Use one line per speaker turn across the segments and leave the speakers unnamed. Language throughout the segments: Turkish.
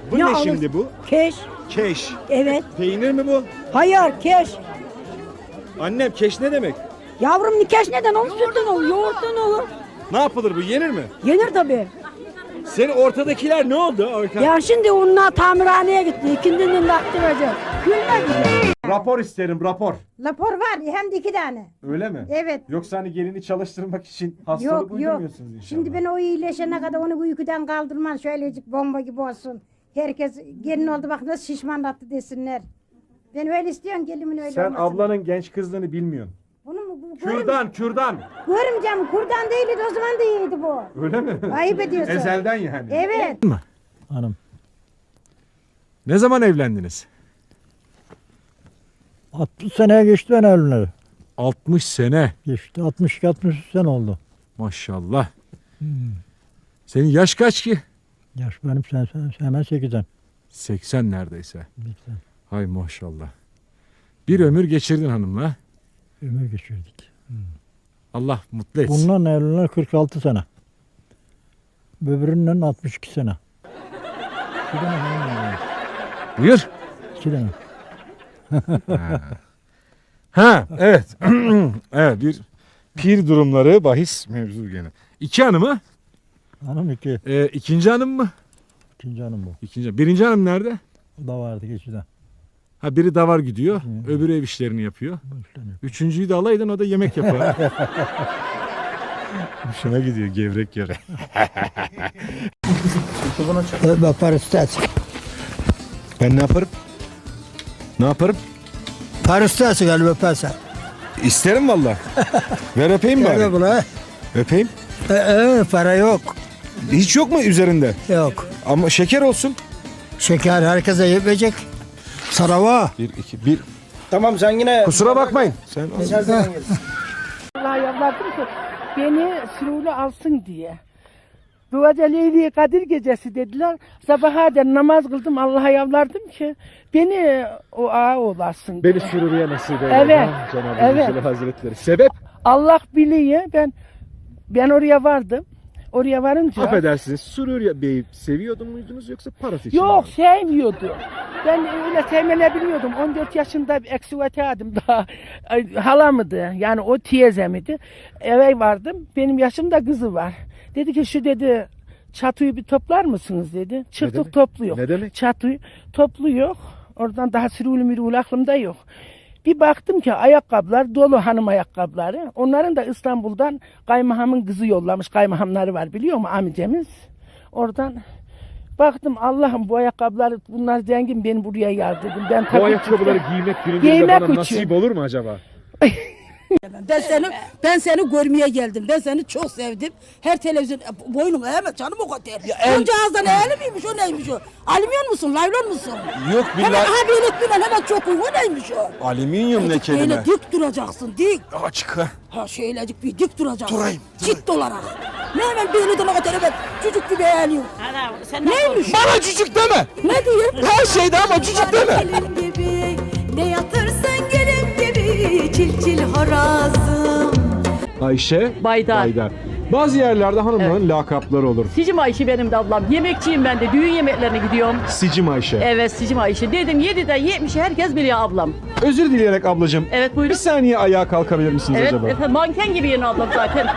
Bu ne şimdi bu?
Keş.
Keş.
Evet.
Peynir mi bu?
Hayır keş.
Annem keş ne demek?
Yavrum keş neden olur? Sütten olur, yoğurttan olur.
Ne yapılır bu? Yenir mi?
Yenir tabii.
Senin ortadakiler ne oldu?
Ya şimdi onlar tamirhaneye gitti. İkindinin vakti verecek. Gülmedi.
Rapor isterim, rapor.
Rapor var hem de 2 tane.
Öyle mi?
Evet.
Yoksa hani gelini çalıştırmak için hastalık
Yok yok.
uydurmuyorsunuz inşallah.
Şimdi ben o iyileşene kadar onu uykudan kaldırman şöylecik bomba gibi olsun. Herkes gelin oldu bak nasıl şişmanlattı desinler. Ben öyle istiyorum gelimin öyle
Sen
olmasını.
ablanın genç kızlığını bilmiyorsun.
Bunu mu?
Kürdan.
Görümcem kurdan değildi o zaman da iyiydi bu.
Öyle mi?
Ayıp ediyorsun.
Ezelden yani.
Evet.
Hanım
Ne zaman evlendiniz?
60 seneye geçti ben evleneli.
60 sene.
Geçti 62-63 sene oldu.
Maşallah. Senin yaş kaç ki?
Yaş benim hemen 8'den.
80 neredeyse. Hay maşallah. Bir ömür geçirdin hanımla.
Ömür geçirdik.
Allah mutlu etsin.
Bundan evleneli 46 sene. Öbüründen 62 sene. 2 tane hanım var.
Buyur.
2 tane.
Ha evet. Evet bir pir durumları bahis mevzu gene. 2 hanımı?
Hanım 2.
İkinci hanım mı?
İkinci hanım bu.
İkinci. Birinci hanım nerede?
O da vardı geçiden.
Ha biri davar gidiyor. Öbürü ev işlerini yapıyor. Üçüncüyü de alaydın o da yemek yapar. Hoşuna gidiyor gevrek yere.
Paristas.
Ben ne yaparım? Ne yaparım?
Paristas galiba pasa.
İsterim valla. Ver öpeyim
Gel
bari.
buna.
Öpeyim.
Para yok.
Hiç yok mu üzerinde?
Yok.
Ama şeker olsun.
Şeker herkese yetmeyecek. Sarava.
1, 2, 1.
Tamam sen yine.
Kusura bakmayın. Sen
Allah yalvardım ki beni sürülü alsın diye. Bu Leyli Kadir gecesi dediler. Sabaha da namaz kıldım. Allah'a yalvardım ki beni o ağa olasın diye.
beni sürürüye nasip eyle.
Evet,
Ha, Cenab-ı
evet.
Zülcelal Hazretleri. Sebep?
Allah biliyor. Ben oraya vardım. Oraya varınca
Affedersiniz. Sürürye Bey'i seviyordun muydunuz yoksa parası için
yok
mi?
sevmiyordu. Ben öyle sevmeni bilmiyordum. 14 yaşında bir eksuvateydim daha. Halamıdı. Yani o teyzemidi. Eve vardım. Benim yaşımda kızı var. Dedi ki şu dedi çatıyı bir toplar mısınız dedi. Çıktık
demek?
topluyor.
Ne demek?
Çatıyı topluyor. Oradan daha sürülü mürülü aklımda yok. Bir baktım ki ayakkabılar dolu hanım ayakkabıları. Onların da İstanbul'dan kaymahamın kızı yollamış. Kaymahamları var biliyor musun amcamız? Oradan baktım Allah'ım bu ayakkabıları bunlar zengin beni buraya yar dedim. Ben
Bu
tabii
ayakkabıları
ki-
giymek gününde
Giymek
bana
için.
nasip olur mu acaba?
Ben seni görmeye geldim. Ben seni çok sevdim. Her televizyon boynum eğme canım o kadar. Önce ağızdan eğeli miymiş o neymiş o? Alüminyum musun? Laylon musun?
Yok
Hemen
billahi.
ha belirttiler hemen çok uygun neymiş o?
Alüminyum ne kelime?
Böyle dik duracaksın dik.
Açık ha.
Ha şöylecik bir dik duracaksın.
Durayım.
Ciddi olarak. Ne hemen belirden o kadar hemen çocuk gibi eğiliyor. Neymiş?
Bana cücük deme.
Ne diyeyim?
Her şeyde ama cücük deme.
Gelin gibi ne yatırsan gelin gibi çil çil horazım.
Ayşe.
Baydar.
Bazı yerlerde hanımların lakapları olur.
Sicim Ayşe benim de ablam. Yemekçiyim ben de. Düğün yemeklerine gidiyorum.
Sicim Ayşe.
Evet Sicim Ayşe. Dedim 7'den 70'e herkes biliyor ablam.
Özür dileyerek ablacığım.
Evet
Bir
buyurun.
saniye ayağa kalkabilir misiniz
Evet
acaba?
efendim manken gibi yeni ablam zaten.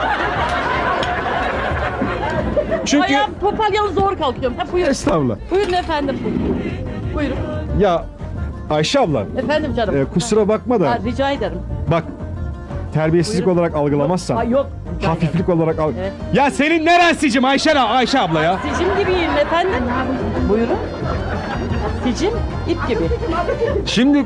Çünkü
Ayağım topalyalı zor kalkıyorum. Ha, buyurun.
estağfurullah.
Buyurun efendim. Buyurun.
Ya Ayşe abla
Efendim canım.
kusura bakma da
Ha, rica ederim.
bak terbiyesizlik
Buyurun.
olarak algılamazsan.
Ha, yok. rica
Hafiflik olarak al.
Evet.
Ya senin neren Sicim Ayşe abla ya?
ederim. Sicim gibiyim efendim. Buyurun. Sicim ip gibi.
Şimdi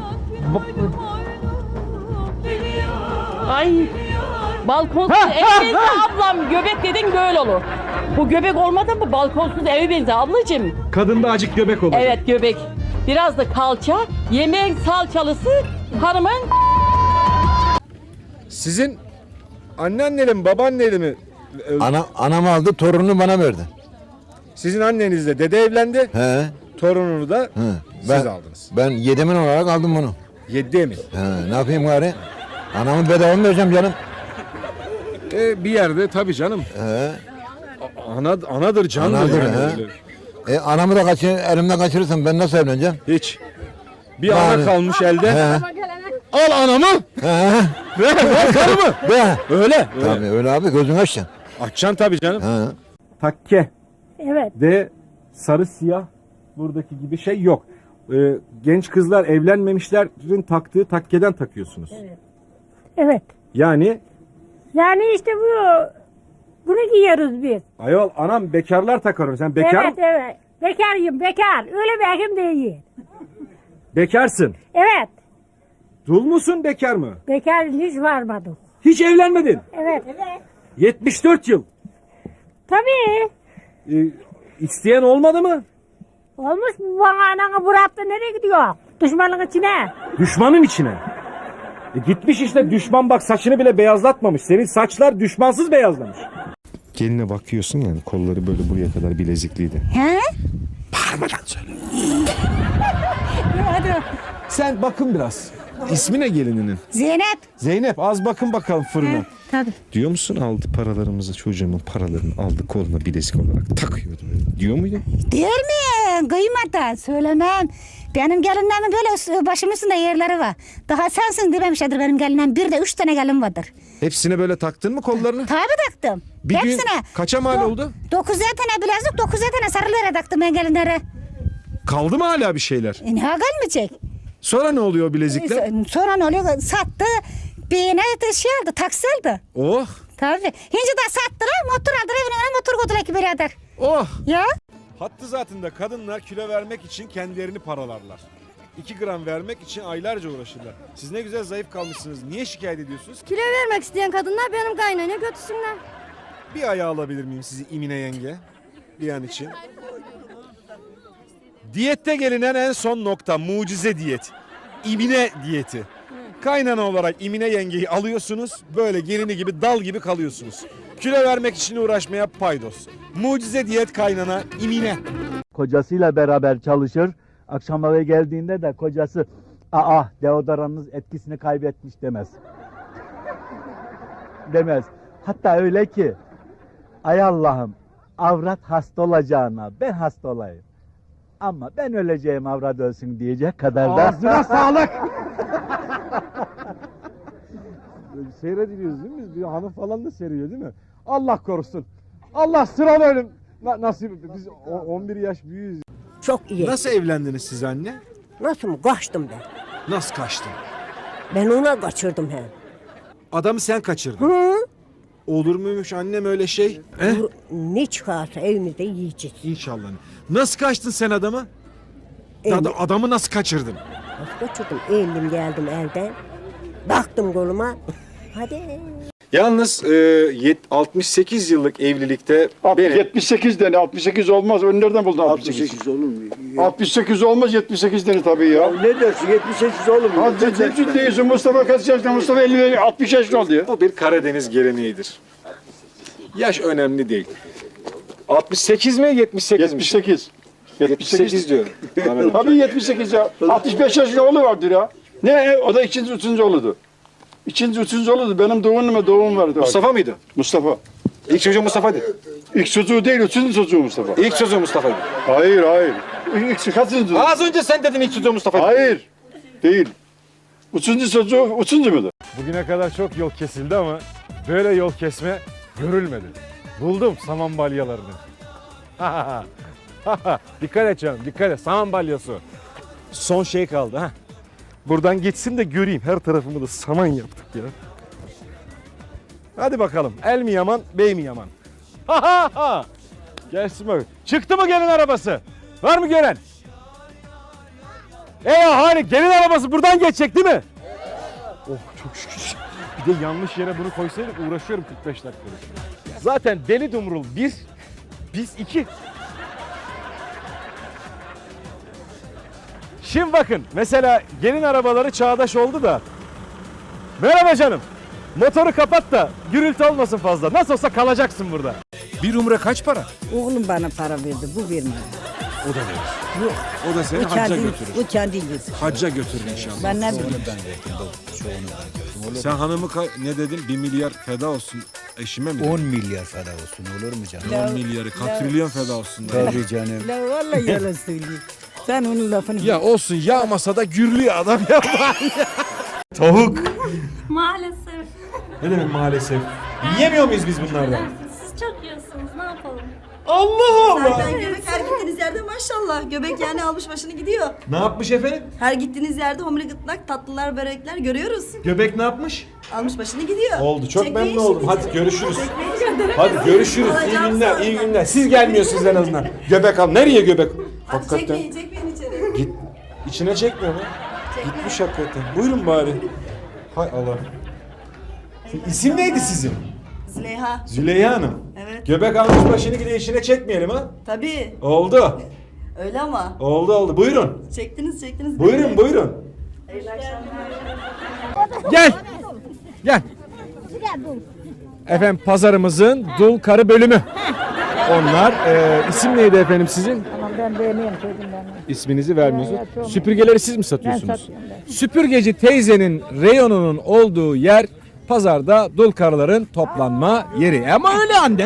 Ay. Balkonsuz ev benzer ablam. Göbek dedin böyle olur. Bu göbek olmadı mı balkonsuz evi benzer ablacığım.
kadında acık göbek olur.
Evet göbek. Biraz da kalça. Yemeğin salçalısı hanımın.
Sizin anneanneli mi babaanneli mi?
Anam aldı torununu bana verdi.
Sizin annenizle dede evlendi.
He.
Torununu da
He.
siz aldınız.
Ben yedemin olarak aldım bunu.
7 emin.
He. Ne yapayım gari? Anamı bedava mı vereceğim canım?
Bir yerde tabii canım.
He.
Anadır canım.
Anadır,
yani.
he.
Öyle.
Anamı da elimden kaçırırsam ben nasıl evleneceğim?
Hiç. Bir ana
Yani.
kalmış elde.
He.
Al anamı.
He.
Ver karımı.
Be.
Öyle.
Tabii öyle abi gözünü açacaksın.
Açacaksın tabii canım.
He.
Takke
Evet.
de sarı siyah buradaki gibi şey yok. Genç kızlar evlenmemişlerin taktığı takkeden takıyorsunuz.
Evet.
Yani
Yani işte bunu giyiyoruz biz.
ayol anam bekarlar takar onu. Sen bekar
evet. Bekarım, bekar. Öyle bir ekim değil.
bekarsın.
Evet.
Dul musun bekar mı?
Bekar hiç varmadım.
Hiç evlenmedin.
Evet.
74 yıl.
Tabii.
İsteyen olmadı mı?
Olmuş mu bana ananı bıraktı nereye gidiyor? Düşmanın içine.
Düşmanın içine. Gitmiş işte düşman bak saçını bile beyazlatmamış. Senin saçlar düşmansız beyazlamış. Geline bakıyorsun yani kolları böyle buraya kadar bilezikliydi.
He?
Bağırmadan söyle. Sen bakın biraz. İsmi ne gelininin?
Zeynep.
Zeynep az bakın bakalım fırına.
Tabii.
Diyor musun aldı paralarımızı çocuğumun paralarını aldı koluna bilezik olarak takıyordu böyle. Diyor muydu?
Değil mi? Kıymadan söylemem. Benim gelinlerimin böyle başımın üstünde yerleri var. Daha sensin dememişlerdir benim gelinlerim. Bir de 3 tane gelin vardır.
Hepsine böyle taktın mı kollarını?
Tabii taktım.
Bir
Hepsine.
gün kaça mal oldu?
9'er tane bilezik, 9'er tane sarılara taktım ben gelinlere.
Kaldı mı hala bir şeyler?
Ne gelmeyecek?
Sonra ne oluyor o bilezikler?
Sonra ne oluyor? Sattı. Birine de şey aldı, taksi aldı.
Oh
Tabii. Hinci de sattılar, motor aldılar, evine motor koydular ki birader.
oh.
Ya?
Hattı zatında kadınlar kilo vermek için kendilerini paralarlar. 2 gram vermek için aylarca uğraşırlar. Siz ne güzel zayıf kalmışsınız. Niye şikayet ediyorsunuz?
Kilo vermek isteyen kadınlar benim kaynana götürsünler.
Bir ayağı alabilir miyim sizi İmine yenge? Bir an için. Diyette gelinen en son nokta mucize diyet. İmine diyeti. Kaynana olarak İmine yengeyi alıyorsunuz. Böyle gelini gibi dal gibi kalıyorsunuz. Kilo vermek için uğraşmaya paydos. Mucize diyet kaynana İmine.
Kocasıyla beraber çalışır. Akşam eve geldiğinde de kocası deodoranınız etkisini kaybetmiş demez. Demez. Hatta öyle ki ay Allah'ım avrat hasta olacağına ben hasta olayım. Ama ben öleceğim avrat ölsün diyecek kadar da.
Ağzına sağlık. Seyrediyoruz değil mi? Bir hanım falan da seyrediyor değil mi? Allah korusun. Allah sıralı ölüm. Nasip biz 11 yaş büyüğüz.
Çok iyi.
Nasıl evlendiniz siz anne?
Nasıl mı? Kaçtım ben.
Nasıl kaçtın?
Ben ona kaçırdım he.
Adamı sen kaçırdın.
Hı?
Olur muymuş annem öyle şey?
Ne çıkarsa evimizde yiyeceğiz.
İnşallah. Nasıl kaçtın sen adamı? Adamı nasıl kaçırdın?
Nasıl kaçırdım? Eğildim geldim elden. Baktım koluma. Hadi.
Yalnız 68 yıllık evlilikte
78 tane 68 olmaz. Onu nereden buldun 68
olur mu?
68 olmaz 78 tane tabii ya.
Ne dersin 78 olur mu?
Hadi ciddi değilsin. Mustafa kaç yaşında? Mustafa 50 60 yaşında oldu ya.
bu bir Karadeniz geleneğidir. Yaş önemli değil. 68 mi 78 mi?
78.
78 diyorum.
Tabii 78 ya. 65 yaşında oğlu vardır ya. Ne? O da ikinci, üçüncü oğludu. İkinci, üçüncü oğludu. Benim doğum vardı.
Mustafa mıydı?
Mustafa.
İlk çocuğu Mustafa'ydı.
İlk çocuğu değil, üçüncü çocuğu Mustafa.
İlk çocuğu Mustafa'ydı.
Hayır, hayır. İlk kaçıncı?
Az önce sen dedin ilk çocuğu Mustafa'ydı.
Hayır. Değil. Üçüncü çocuğu, üçüncü müydü?
Bugüne kadar çok yol kesildi ama böyle yol kesme görülmedi. Buldum saman balyalarını. Dikkat et canım, dikkat et. Saman balyası. Son şey kaldı ha. Buradan geçsin de göreyim. Her tarafımı da saman yaptık ya. Hadi bakalım. El mi yaman, bey mi yaman? Gelsin bak. Çıktı mı gelin arabası? Var mı gören? Hani gelin arabası buradan geçecek değil mi? Oh çok şükür. Bir de yanlış yere bunu koysaydık uğraşıyorum 45 dakikadır. Zaten Deli Dumrul 1, biz 2. Şimdi bakın mesela gelin arabaları çağdaş oldu da. Merhaba canım. Motoru kapat da gürültü olmasın fazla. Nasıl olsa kalacaksın burada. Bir umre kaç para?
Oğlum bana para verdi, bu vermedi.
O da verir.
Yok.
O da seni
O
hacca
kendi,
götürür.
o kendi yedi.
Hacca götürür inşallah.
Ben ne bileyim.
Sen hanımı ne dedin? 1 milyar feda olsun eşime mi?
10 milyar feda olsun olur mu canım?
10 milyarı, katrilyon feda olsun.
Tabii canım.
La vallahi yalan söylüyor. Sen onun lafını...
Ya olsun yağmasa da gürlüyor adam ya. Tavuk.
Maalesef.
Ne demek maalesef? Yiyemiyor muyuz biz bunlardan?
Siz çok yiyorsunuz. Ne yapalım?
Allah Allah.
Zaten göbek her gittiğiniz yerde maşallah. Göbek yani almış başını gidiyor.
Ne yapmış efendim?
Her gittiğiniz yerde homile gıtlak, tatlılar, börekler görüyoruz.
Göbek ne yapmış?
Almış başını gidiyor.
Oldu. Çok
Çekmeyin
memnun oldum.
şimdi.
Hadi görüşürüz.
Çekmeyin şimdi.
Hadi görüşürüz. İyi
Alacağım
günler,
sonra.
iyi günler. Siz gelmiyorsunuz en azından. Göbek al. Nereye göbek?
Hadi çekmeyin içeri.
Git. İçine çekmiyor mu? Gitmiş hakikaten. Buyurun bari. Hay Allah. İsim neydi sizin?
Züleyha.
Züleyha Hanım.
Evet.
Göbek almış başını gide işine çekmeyelim ha.
Tabii.
Oldu.
Öyle ama.
Oldu. Buyurun.
Çektiniz.
Buyurun.
Hayırlı akşamlar.
Gel. Efendim pazarımızın dul karı bölümü. Onlar. İsim neydi efendim sizin?
Tamam ben beğeniyorum çocuğum ben.
İsminizi vermiyorsunuz.
Ya, çok-
Süpürgeleri siz mi satıyorsunuz?
Ben satıyorum ben.
Süpürgeci teyzenin reyonunun olduğu yer pazarda dul karıların toplanma yeri. Ama öyle anne.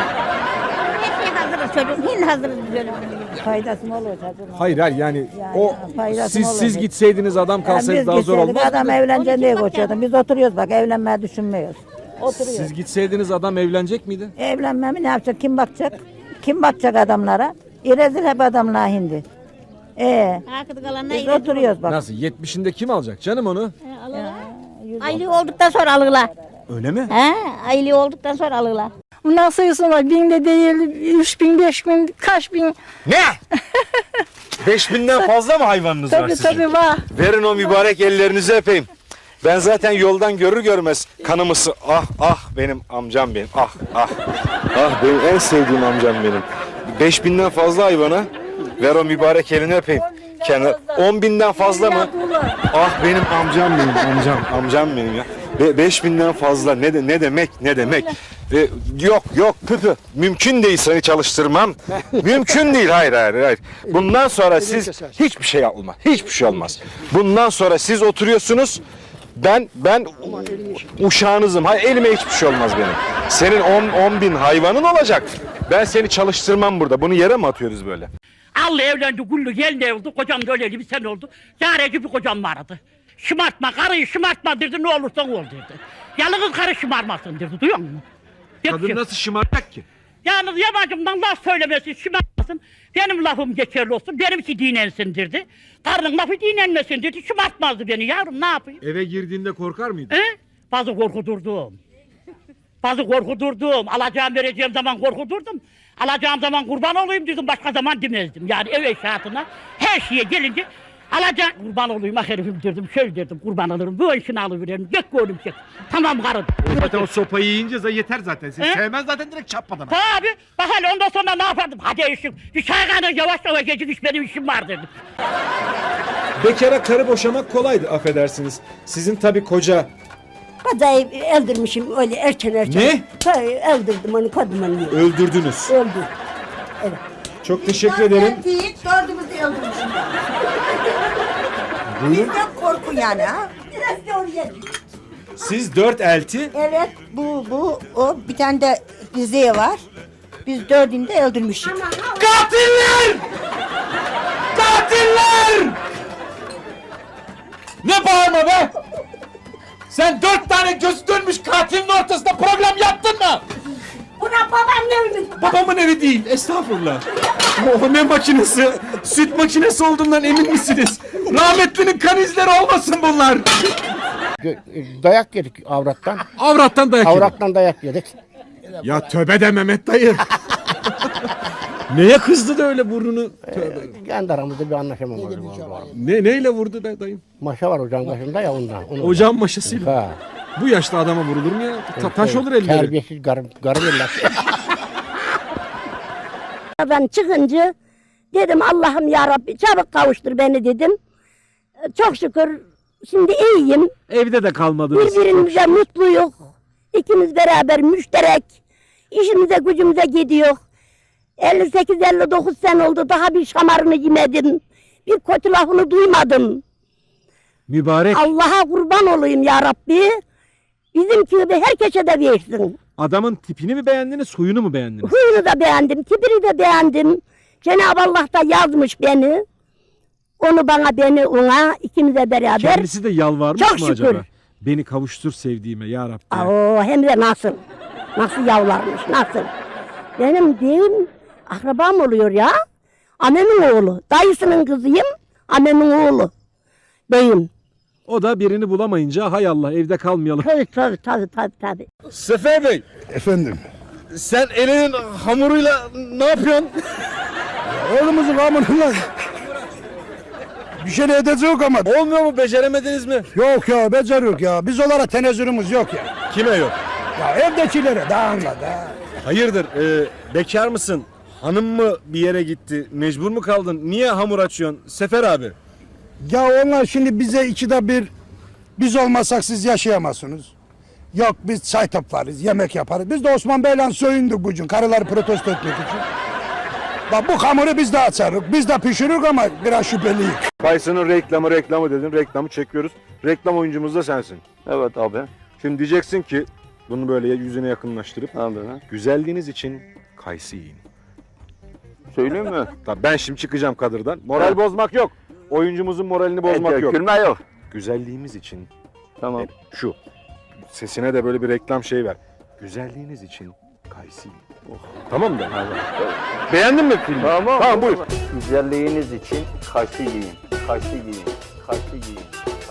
Her şey hazırız çocuğum. Yine hazırız biz öyle. Faydası mı olur çocuğum?
Hayır yani o
faydası
siz
olur.
gitseydiniz adam kalsaydı
Biz
daha zor
gitseydik
olmaz.
adam evleneceğim diye koşuyordum. Biz oturuyoruz bak evlenmeyi düşünmüyoruz. Oturuyoruz.
Siz gitseydiniz adam evlenecek miydi?
Evlenmemi ne yapacak? Kim bakacak? Kim bakacak adamlara? İrezil hep adamlar hindi. Biz oturuyoruz bak.
Nasıl? 70'inde kim alacak canım onu?
Aylığı olduktan sonra alırlar.
Öyle mi?
He, aylığı olduktan sonra alırlar.
Bundan sayısı var. 1000 de değil, 3000, 5000, kaç bin.
Ne? 5000'den fazla mı hayvanınız var
Tabii
sizin?
tabii var.
Verin o mübarek ellerinizi öpeyim. Ben zaten yoldan görür görmez kanımısı. Ah benim amcam benim. Ah benim en sevdiğim amcam benim. 5000'den fazla hayvana ver o mübarek elini öpeyim. 10.000'den fazla mı? Ah benim amcam benim amcam benim ya. 5000'den fazla ne demek? Yok püpü. Mümkün değil seni çalıştırmam. Mümkün değil. Hayır. Bundan sonra siz hiçbir şey olmaz. Hiçbir şey olmaz. Bundan sonra siz oturuyorsunuz. Ben uşağınızım. Hayır elime hiçbir şey olmaz benim. Senin 10 bin hayvanın olacak. Ben seni çalıştırmam burada. Bunu yere mi atıyoruz böyle?
Allah evlendi, gullu geldi oldu. Kocam da öyleydi, bir sene oldu. Zareci bir kocam vardı. Şımartma, karıyı şımartma dedi, ne olursan ol dedi. Yalnız karı şımarmasın dedi, duyuyor musun?
Kadın nasıl şımartacak ki?
Yalnız yabancımdan laf söylemesin, şımartmasın. Benim lafım geçerli olsun, benimki dinlensin dedi. Karının lafı dinlenmesin dedi, şımartmazdı beni yavrum, ne yapayım?
Eve girdiğinde korkar mıydın?
He? Bazı korkudurdum. Alacağım vereceğim zaman korkudurdum. Alacağım zaman kurban olayım dedim, başka zaman demezdim. Yani ev eşyatına her şeye gelince alacağım kurban olayım herifim derdim, şöyle derdim kurban alırım, bu işini alıveririm, gök oğlum çek. Tamam karım.
Zaten o sopayı yiyince yeter zaten. Sen
He?
sevmez zaten direkt çarpmadan.
Tabi bak hele ondan sonra ne yapardım? Hadi işim, bir çay kaynar yavaş gecik benim işim var dedim.
Bekara karı boşamak kolaydı affedersiniz. Sizin tabii koca.
Kocayı öldürmüşüm öyle erken.
Ne?
Öldürdüm onu kadını.
Öldürdünüz.
Öldü.
Çok teşekkür ederim.
Değil, dördümüzü öldürmüşüm. Bizden korku yani ha. Biraz da oraya.
Siz 4 elti.
Evet bu o bir tane de diziye var. Biz dördünü de öldürmüşük.
Katiller! Ne bağırma be! Sen 4 tane gözü dönmüş katilin ortasında program yaptın mı?
Buna babamın evi.
Babamın evi değil, estağfurullah. O ne makinesi? Süt makinesi olduğundan emin misiniz? Rahmetlinin kan izleri olmasın bunlar.
Dayak yedik avrattan.
Avrattan dayak yedik.
Avrattan dayak yedik.
Ya tövbe de Mehmet dayı. Neye kızdı da öyle burnunu? Tövbe.
Kendi aramızda bir anlaşamamız var.
Neyle vurdu be dayım?
Maşa var ocağın başında ya ondan.
Ocağın maşasıyla.
Ha.
Bu yaşta adama vurulur mu ya? Taş olur elleri.
Terbiyesiz garip eller.
Ben çıkınca dedim Allah'ım ya Rabbi çabuk kavuştur beni dedim. Çok şükür şimdi iyiyim.
Evde de kalmadınız.
Birbirimize mutluyuz. İkimiz beraber müşterek. İşimize gücümüze gidiyor. 58-59 sene oldu, daha bir şamarını yemedim. Bir kötü lafını duymadım.
Mübarek.
Allah'a kurban olayım ya Rabbi. Bizimki gibi herkese de versin.
Adamın tipini mi beğendiniz, huyunu mu beğendiniz?
Huyunu da beğendim, tipini de beğendim. Cenab-ı Allah da yazmış beni. Onu bana, beni ona, ikimize beraber.
Kendisi de yalvarmış
Çok
mı
şükür.
acaba? Beni kavuştur sevdiğime ya Rabbi.
Oo, hem de nasıl? Nasıl yavlarmış, nasıl? Benim değil, akrabam oluyor ya. Annemin oğlu, dayısının kızıyım, annemin oğlu. Beyim.
O da birini bulamayınca hay Allah evde kalmayalım.
Tabii.
Sefer Bey.
Efendim.
Sen elinin hamuruyla ne yapıyorsun?
Oğlumuzun hamuruyla bir şey edecek ama.
Olmuyor mu? Beceremediniz mi?
Yok ya, beceriyoruz ya. Biz onlara tenezzülümüz yok ya.
Kime yok?
Ya evdekilere daha anla da.
Hayırdır? Bekar mısın? Hanım mı bir yere gitti? Mecbur mu kaldın? Niye hamur açıyorsun? Sefer abi.
Ya onlar şimdi bize ikide bir, biz olmasak siz yaşayamazsınız. Yok biz çay toplarız, yemek yaparız. Biz de Osman Bey'le soyunduk bugün karıları protesto etmek için. Bak bu hamuru biz de açarız, biz de pişiririk ama biraz şüpheliyiz.
Kayısının reklamı dedin. Reklamı çekiyoruz. Reklam oyuncumuz da sensin.
Evet abi.
Şimdi diyeceksin ki bunu böyle yüzüne yakınlaştırıp
Abi.
güzelliğiniz için kayısı yiyin.
Söyleyeyim mi?
Tabii ben şimdi çıkacağım kadırdan. Moral bozmak yok. Oyuncumuzun moralini bozmak yok.
Gülme yok.
Güzelliğimiz için
Tamam.
şu. Sesine de böyle bir reklam şey ver. Güzelliğiniz için kayısı yiyin. Tamam mı? Beğendin mi filmi? Tamam buyur.
Güzelliğiniz için kayısı yiyin. Kayısı yiyin. Kayısı yiyin.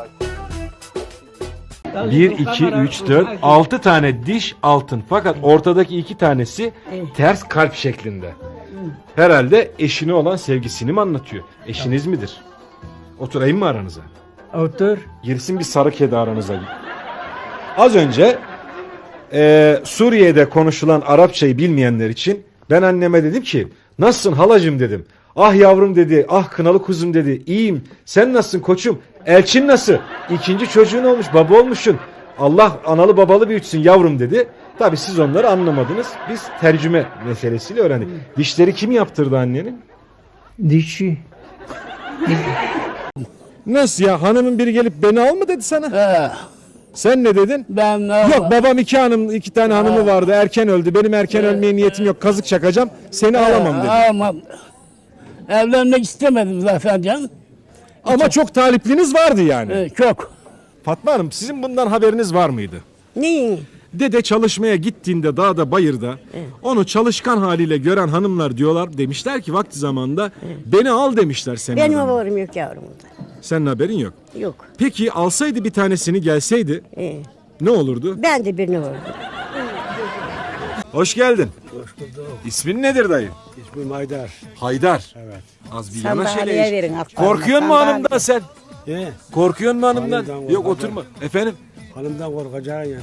1, 2, 3, 4, 6 tane diş altın. Fakat ortadaki 2 tanesi ters kalp şeklinde. Herhalde eşine olan sevgisini mi anlatıyor? Eşiniz midir? Oturayım mı aranıza?
Otur.
Girsin bir sarı kedi aranıza. Az önce Suriye'de konuşulan Arapçayı bilmeyenler için ben anneme dedim ki nasılsın halacığım dedim. Ah yavrum dedi, ah kınalı kuzum dedi. İyiyim, sen nasılsın koçum? Elçin nasıl? 2. çocuğun olmuş, baba olmuşsun. Allah analı babalı büyütsün yavrum dedi. Tabii siz onları anlamadınız. Biz tercüme meselesiyle öğrendik. Dişleri kim yaptırdı annenin?
Dişi.
Nasıl ya? Hanımın biri gelip beni al mı dedi sana? Sen ne dedin?
Ben
Yok babam 2 tane hanımı vardı. Erken öldü. Benim erken ölmeye niyetim yok. Kazık çakacağım. Seni alamam dedi.
Almam. Evlenmek istemedim zaten canım.
Ama çok talipliniz vardı yani.
Çok.
Fatma Hanım sizin bundan haberiniz var mıydı?
Neyin?
Dede çalışmaya gittiğinde dağda bayırda onu çalışkan haliyle gören hanımlar diyorlar demişler ki vakti zamanında beni al demişler senin
Benim
adına.
haberim yok yavrum.
Senin haberin yok.
Yok.
Peki alsaydı bir tanesini gelseydi ne olurdu?
Ben de birini vurdum.
Hoş geldin. Hoş bulduk. İsmin nedir dayı?
İsmim Haydar.
Haydar.
Evet.
Az bir
Sandalyeye
yanaş
verin
hele.
altlarına,
Korkuyor mu
sandalye.
hanımdan sen? Korkuyor mu hanımdan?
Hanımdan
Yok
korkacağım.
oturma. Efendim?
Hanımdan korkacağın yansın.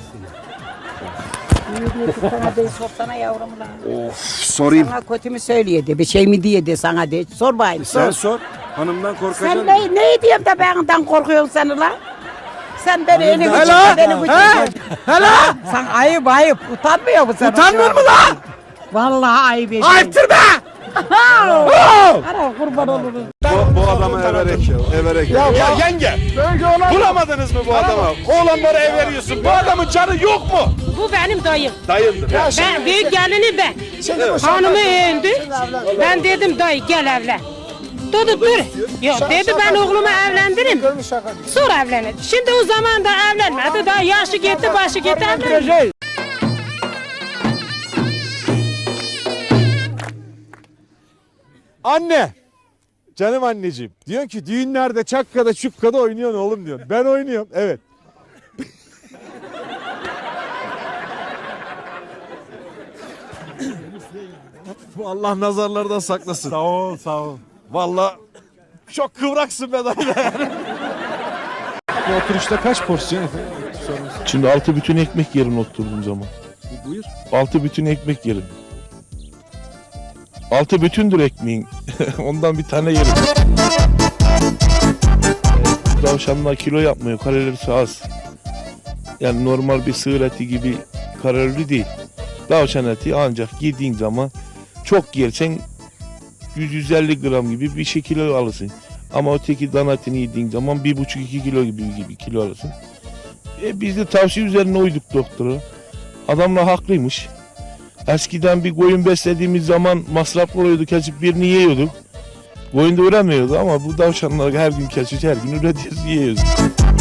Sana de sorsana yavrum lan.
Sorayım.
Sana kötü mü söylüyordu? Bir şey mi diye de sana de. Sor bayım
Sen
sor.
sor. Hanımdan korkacaksın.
Sen ne diyeyim de benden korkuyorsun sen lan? Sen beni elini
Hala?
uçurma beni uçurma. Hala? Sen ayıp utanmıyor musun?
Utanmıyor mu lan?
Vallahi ayıp ediyorsun.
Ayıptır be!
Ara kurban olurum.
Bu adamı everek. Ya yenge. Bulamadınız mı bu adamı? Oğlanlara ev veriyorsun. Bu adamın canı yok mu?
Bu benim dayım.
Dayındır.
Ben büyük gelini ben. Hanımı öldü. Ben dedim dayı gel evlen. Dedi dur. Yok dedi ben oğlumu evlendiririm. Sonra evlenir. Şimdi o zaman da evlenmedi. Daha yaşı gitti başı gitti evlenmedi.
Anne. Canım anneciğim. Diyorsun ki düğünlerde çakkada çukkada oynuyorsun oğlum diyorsun. Ben oynuyorum. Evet. Bu Allah nazarlardan saklasın.
Sağ ol, sağ ol.
Vallahi çok kıvraksın be dayı. Bu oturuşta kaç porsiyon efendim?
Şimdi 6 bütün ekmek yerin oturduğum zaman.
Buyur.
6 bütün ekmek yerim. 6 bütündür ekmeğin. Ondan bir tane yerim. Tavşanlar kilo yapmıyor. Kalorisi az. Yani normal bir sığır eti gibi kalorili değil. Tavşan eti ancak yediğin zaman çok yersen 100-150 gram gibi bir şey kilo alırsın. Ama öteki dana etini yediğin zaman 1,5-2 kilo gibi kilo alırsın. Biz de tavsiye üzerine uyduk doktora. Adamla haklıymış. Eskiden bir koyun beslediğimiz zaman masraflı oluyordu, kesip birini yiyorduk. Koyun da üremiyordu ama bu tavşanlar her gün kesiyoruz, her gün üretiyoruz, yiyoruz.